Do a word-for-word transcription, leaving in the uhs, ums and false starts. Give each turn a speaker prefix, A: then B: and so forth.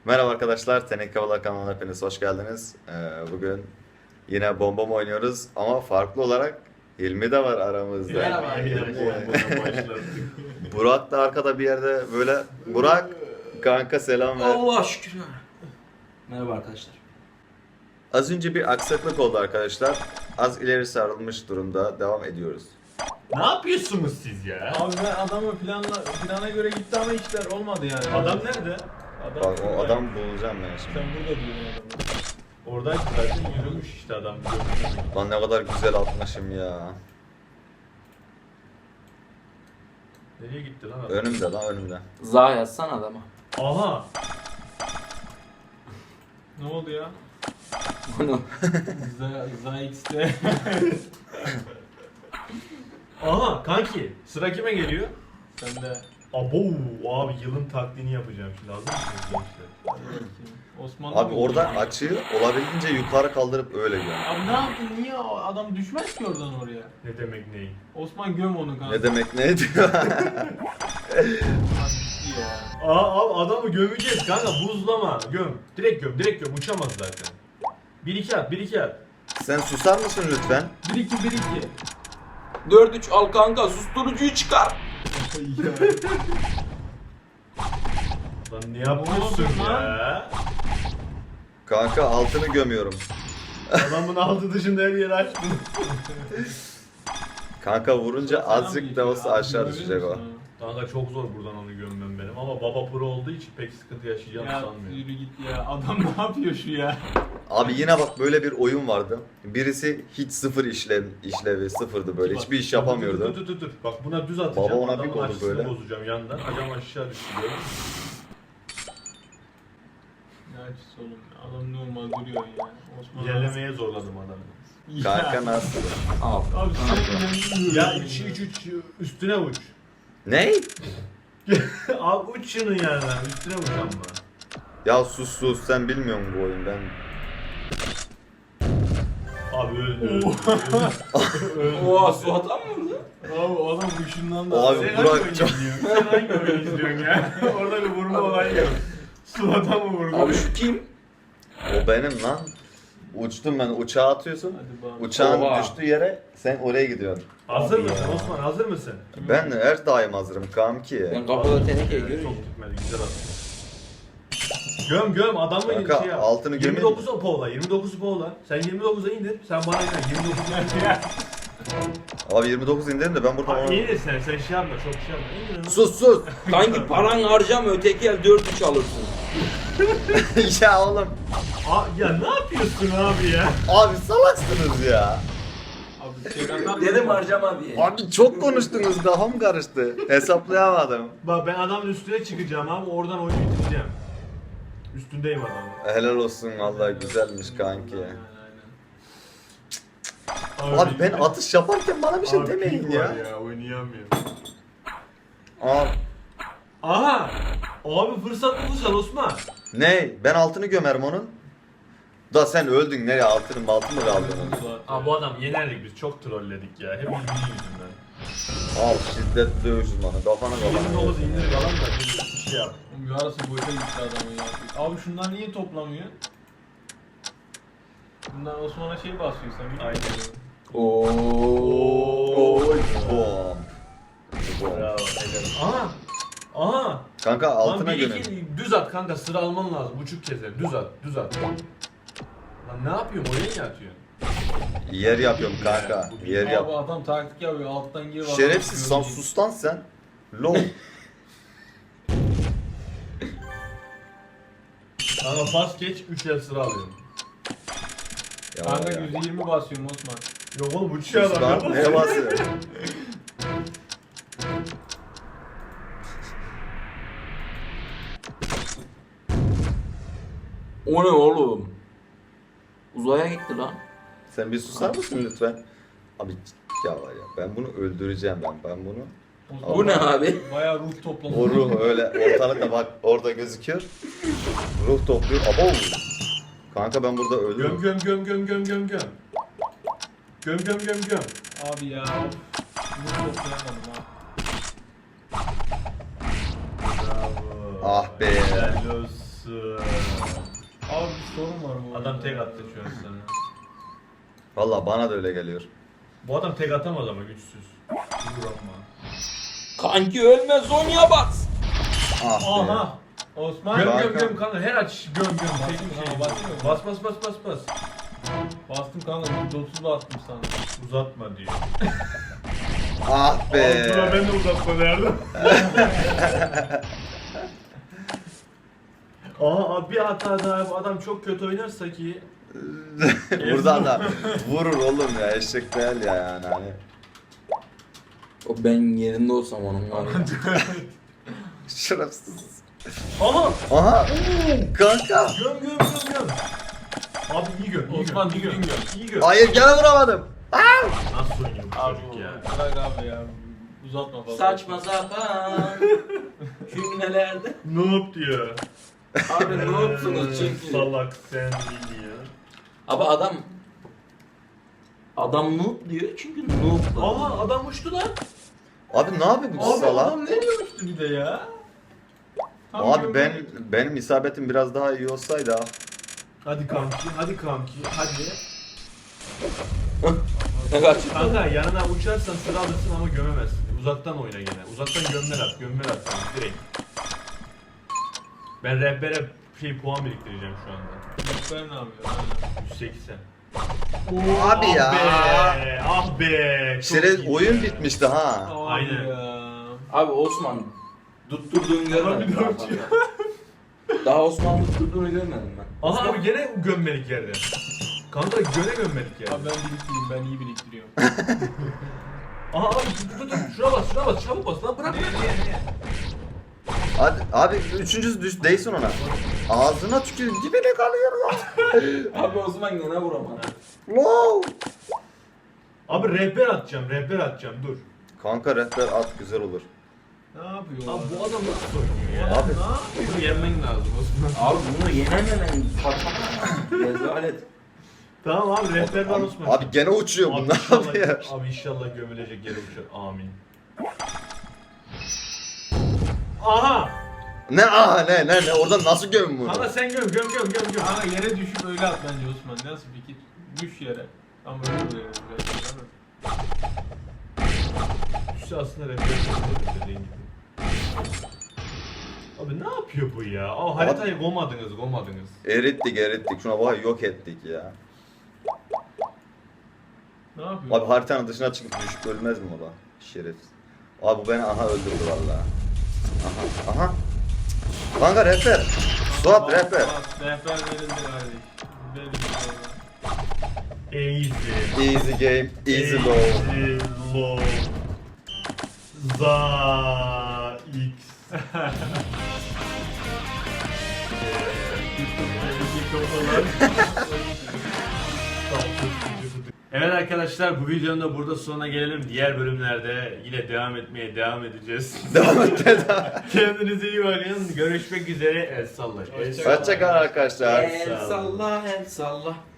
A: Merhaba arkadaşlar, Teneke Havalar kanalına hepiniz hoş geldiniz. Ee, bugün yine bomba mı oynuyoruz ama farklı olarak Hilmi de var aramızda.
B: Merhaba arkadaşlar.
A: Burak da arkada bir yerde böyle. Burak, kanka selam ver.
B: Allah şükür. Merhaba arkadaşlar.
A: Az önce bir aksaklık oldu arkadaşlar. Az ileri sarılmış durumda, devam ediyoruz.
C: Ne yapıyorsunuz siz ya?
D: Abi ben adamı planla, plana göre gitti ama işler olmadı yani.
C: Adam nerede?
D: Adam
A: Bak o
D: burada.
A: adam bulacağım ben şimdi.
D: Sen burada duruyorsun adamı.
C: Oradaydı zaten yürümüş işte adam.
A: Lan ne kadar güzel atmışım ya.
C: Nereye gitti lan adam?
A: Önümde lan önümde.
B: Za yazsan adama.
C: Aha!
D: Ne oldu ya?
B: Bunu.
D: Z, ZX'te.
C: Aha kanki! Sıra kime geliyor?
D: Sen de.
C: Abo abi yılın taklidini yapacağım şimdi. Hazır mısınız gençler?
D: Osman
A: Abi orada açıyı olabildiğince yukarı kaldırıp öyle gör.
D: Abi ne yaptın? Niye o adam düşmez ki oradan oraya?
C: Ne demek neyi?
D: Osman göm onu kanka.
A: Ne demek ne diyor?
D: İyi ya.
C: Aa abi adamı gömeceğiz kanka buzlama. Göm. Direkt göm. Direkt göm. Uçamaz zaten. Bir iki at. Bir iki at.
A: Sen susar mısın lütfen?
D: bir iki bir iki.
B: dört üç al kanka susturucuyu çıkar.
C: Lan ne yapıyorsun
D: Ne oldu
C: ya?
A: Kanka altını gömüyorum.
C: Adamın altı dışında her yeri açtın.
A: Kanka vurunca azıcık da olsa aşağı düşecek o.
C: Kanka çok zor buradan onu gömmem benim ama baba pro olduğu için pek sıkıntı yaşayacağımı
D: Ya
C: sanmıyorum.
D: yürü git ya. Adam ne yapıyor şu ya?
A: Abi yine bak böyle bir oyun vardı. Birisi hiç sıfır işlev, işlevi sıfırdı böyle. Hiçbir iş
C: Dur,
A: yapamıyordu.
C: dur dur dur. Bak buna düz atacağım.
A: Baba ona bir
C: adamın
A: kodu
C: açısını
A: böyle.
C: bozacağım yandan. Acam aşağı düşüyor.
D: Ne açısı oğlum ya. Adam normal duruyor ya. Osman
C: İlerlemeye zorladım adamı.
D: Ya.
A: Kanka nasıl?
B: Al.
D: Abi sen
C: Ya üç üç üç üstüne uç.
A: Ne?
C: Al uç şunu yani. Üstüne uç ama.
A: Ya sus sus sen bilmiyor musun bu oyun ben?
C: Abi öldü. öldü. öldü.
B: Oha Suat'a mı vurdu?
D: Abi adam ışından da.
A: Abi
C: Sen
A: Burak
C: hangi oyunu
A: çok-
C: izliyorsun? Sen hangi oyunu izliyorsun ya? Orada bir vurma olayı yok. Suata mı vurdu?
B: Abi şu kim?
A: O benim lan. Uçtum ben uçağa atıyorsun.
D: Hadi bakalım.
A: Uçağın
B: Oha.
A: düştüğü yere sen oraya gidiyorsun.
C: Hazır
A: Abi
C: mısın
A: ya.
C: Osman? Hazır mısın?
A: Ben de her daim hazırım kanki.
B: Ben kapıda teneke
C: Evet,
B: görüyorum.
C: çok gitmedi. Güzel attın. Göm göm adamla
A: Kanka,
C: şey yap.
A: altını gömeyim
C: yirmi dokuz poğla. yirmi dokuz poğla. Sen yirmi dokuza indir. Sen bana iner. yirmi dokuza
A: Abi yirmi dokuz indirim de ben buradan
C: Abi
A: onu...
C: indir sen. Sen şey yapma. Çok şey yapma. İndir onu.
A: Sus sus!
B: Kanki paran harcama öteki el dört üç alırsın.
A: Ya oğlum.
C: Aa, ya ne yapıyorsun abi ya?
A: Abi salaksınız ya.
D: Abi şey atar mısın?
B: Dedim harcama diye.
A: Abi çok konuştunuz kafam karıştı. Hesaplayamadım.
C: Bak ben adamın üstüne çıkacağım abi. Oradan oyunu bitireceğim. Üstündeyim adamın.
A: Helal olsun vallahi güzelmiş kanki.
D: Aynen,
A: Abi ben atış yaparken bana bir şey
C: Abi
A: demeyin
C: ping
A: ya.
C: var ya. Oynayamıyorum.
A: Abi
C: Aha! Abi fırsat bulacağız Osman.
A: ne? Ben altını gömerim onun. Da sen öldün nereye altının altı mı kaldı onun?
D: aynen.
C: Abi bu adam yenerdik biz çok trolledik ya. Hep bildiği yüzünden.
A: Al şiddetli dövüş uzmanı kafana
C: yirmi
A: kafana.
C: dokuz indir falan da bir şey yap.
D: Oğlum yarısı boşa gitti adamın ya. Abi şunlar niye toplamıyor? Bunlar Osman'a şey basıyor sen biliyor musun?
C: Aynen.
B: Oo.
A: Oy bom. Bom.
C: Bravo. helal. Aha! Aha!
A: Kanka
C: Lan
A: altına
C: bir
A: gömün.
C: iki düz at kanka sıra alman lazım. Buçuk kez düz at düz at. Lan ne yapıyorsun oraya niye atıyorsun?
A: Yer yapıyorum kanka. Yer
D: Abi
A: yap.
D: adam taktik yapıyor alttan gir. adam
A: Şerefsiz san
D: atıyor.
A: sus lan sen. Lol.
C: Kanka pas geç üç el sıra alıyorum.
A: Ya
D: Kanka
A: ya.
D: yüzde yirmi basıyorum Osman.
C: Yok oğlum uçuyor
A: Sus
C: adam.
A: lan
C: ya.
A: neye basıyor?
B: O ne oğlum? Uzaya gitti lan.
A: Sen bir susar mısın lütfen? Abi ya var ya ben bunu öldüreceğim ben. Ben bunu.
D: Osman
B: Bu ne abi?
D: Bayağı ruh toplamış.
A: O ruh öyle ortalıkta bak orada gözüküyor. Ruh topluyor. Abo. Kanka ben burada
C: Göm
A: öldüm.
C: göm göm göm göm göm göm. Göm göm göm göm.
D: Abi ya. Ruh toplayamadım ha.
C: Bravo.
A: Ah be.
C: Helal olsun. adamsın.
D: Abi bir sorun var bu
C: Adam
D: oyunda
C: tek
D: ya.
C: attı şu an sana.
A: Valla bana da öyle geliyor.
C: Bu adam tek atamaz ama güçsüz. Vurama.
B: Kanki ölme Zonya bas.
A: Ah be.
C: Aha.
D: Osman.
C: Göm
A: Kanka.
C: göm göm kanka her aç göm göm. Çekim
D: Bastım,
C: şey.
D: bastım.
C: Bas bas bas bas bas.
D: Bastım kanka yüzde otuz bastım sana.
C: Uzatma diyor.
A: Ah be.
C: Buna ben de uzatma derdim. Aa bir hata daha bu adam çok kötü oynarsa ki
A: Buradan da vurur oğlum ya, eşek değil ya yani hani.
B: O ben yerinde olsam onun var ya.
A: Şerefsiz.
C: Aha
A: Aha. Kanka.
C: göm göm göm göm. Abi iyi göm iyi
D: Osman,
C: göm iyi
D: düzgün
C: göm.
D: göm.
C: İyi göm.
A: Hayır gene vuramadım.
C: Nasıl oynuyor bu
D: Abi
C: çocuk ya?
D: bırak abi ya. Uzatma fazla.
B: Saçma sapan. Cümlelerde.
C: Noob diyor.
B: Abi ne yapsınız
C: Ee,
B: çünkü.
C: Salak sen değil ya.
B: Abi adam adam noob diyor çünkü noob. lan.
C: Aha adam uçtu lan.
A: Abi ne yapıyor bu
D: Abi
A: salak?
D: adam ne diyormuştu bir de ya? Tam
A: Abi
D: göm-
A: ben benim isabetim biraz daha iyi olsaydı ha.
C: Hadi kanki hadi kanki hadi.
B: Ne kaç?
C: Kanka yanına uçarsan sıra alırsın ama gömemezsin. Uzaktan oyna gene. Uzaktan gömmel at, gömmel at sen direkt. Ben rehbere şey puan biriktireceğim şu anda.
D: Rehber ne yapıyor? Aynen.
C: yüz seksen.
A: Abi
C: ah
A: ya.
C: Be, ah be. Çok
A: Şeref
C: iyi
A: oyun
C: ya.
A: bitmişti ha.
D: Abi
C: Aynen.
D: ya.
B: Abi Osman tutturduğunu
C: Adam
B: görmedim.
C: bir daha
B: daha
C: uçuyor.
B: fazla. Daha Osman tutturduğunu görmedim ben.
C: Aha abi gene gömmelik yerde. Kanka gene gömmelik yerde.
D: Abi ben biriktireyim, ben iyi biriktiriyorum.
C: Aha abi tut tut tut. Şuna bas şuna bas çabuk bas lan bırak.
A: Hadi abi üçüncüsü düş değsin ona. Ağzına tükürüm dibine kalıyor lan.
B: Abi Osman gene vuramadı.
A: Wow.
C: Abi rehber atacağım rehber atacağım dur.
A: Kanka rehber at güzel olur.
D: Ne yapıyor?
C: Abi
D: adam?
C: bu adam nasıl oynuyor ya?
A: Abi
C: Bunu yenmen lazım Osman.
B: Abi bunu yenememen saçma. Rezalet.
C: Tamam abi rehber var
A: abi,
C: Osman.
A: abi gene uçuyor
C: Abi
A: bunlar
C: inşallah,
A: abi ya.
C: abi inşallah gömülecek yere uçar. Amin. Aha!
A: Ne aha ne ne ne oradan nasıl gömün bunu?
C: Kanka sen göm göm göm göm göm.
D: Kanka yere düşüp öyle at bence Osman. Nasıl fikir? Düş yere. Tam öyle oluyor biraz. değil mi?
C: Düşse aslında rehber gömülecek dediğin gibi. Abi ne yapıyor bu ya? Aa, haritayı gomadınız gomadınız.
A: Erittik erittik şuna bak yok ettik ya.
D: Ne yapıyor?
A: Abi haritanın dışına çıkıp düşüp ölmez mi o da? Şerefsiz. Abi bu beni aha öldürdü valla. Aha aha. Kanka rehber. Suat
D: Bas,
A: rehber.
D: bas. Rehber verildi kardeş. Verildi sonra.
C: Easy.
A: Easy game, easy low.
C: Easy low. Za X. Evet arkadaşlar bu videonun da burada sonuna gelelim. Diğer bölümlerde yine devam etmeye devam edeceğiz.
A: Devam et devam.
C: Kendinize iyi bakın. Görüşmek üzere. El salla. El salla.
A: Hoşçakalın arkadaşlar.
B: El salla el salla.